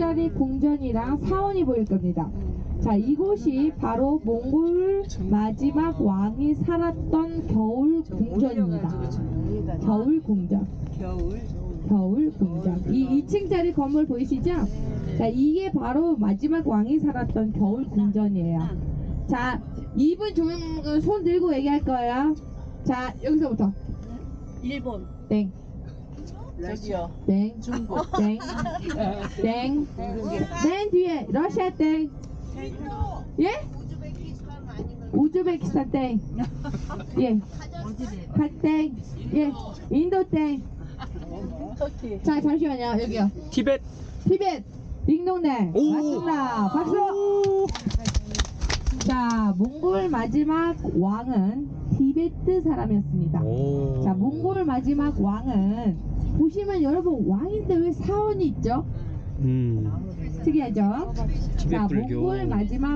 2층짜리 궁전이랑 사원이 보일 겁니다. 자, 이곳이 바로 몽골 마지막 왕이 살았던 겨울 궁전입니다. 겨울 궁전. 겨울 궁전. 이 2층짜리 건물 보이시죠? 자, 이게 바로 마지막 왕이 살았던 겨울 궁전이에요. 자, 이분 손 들고 얘기할 거예요. 자, 여기서부터. 일본. 땡. 저기요. 땡. 중국. 땡. 땡. 맨 뒤에 러시아 땡. 예? 우즈베키스탄 땡. 예. 땡. 예. 인도 땡. 자, 잠시만요. 여기요. 티벳. 티벳. 딩동댕. 오. 맞습니다. 박수. 자, 몽골 마지막 왕은 티베트 사람이었습니다. 오. 자, 몽골 마지막 왕은 보시면 여러분 왕인데 왜 사원이 있죠? 특이하죠? 티벳 자, 불교. 몽골 마지막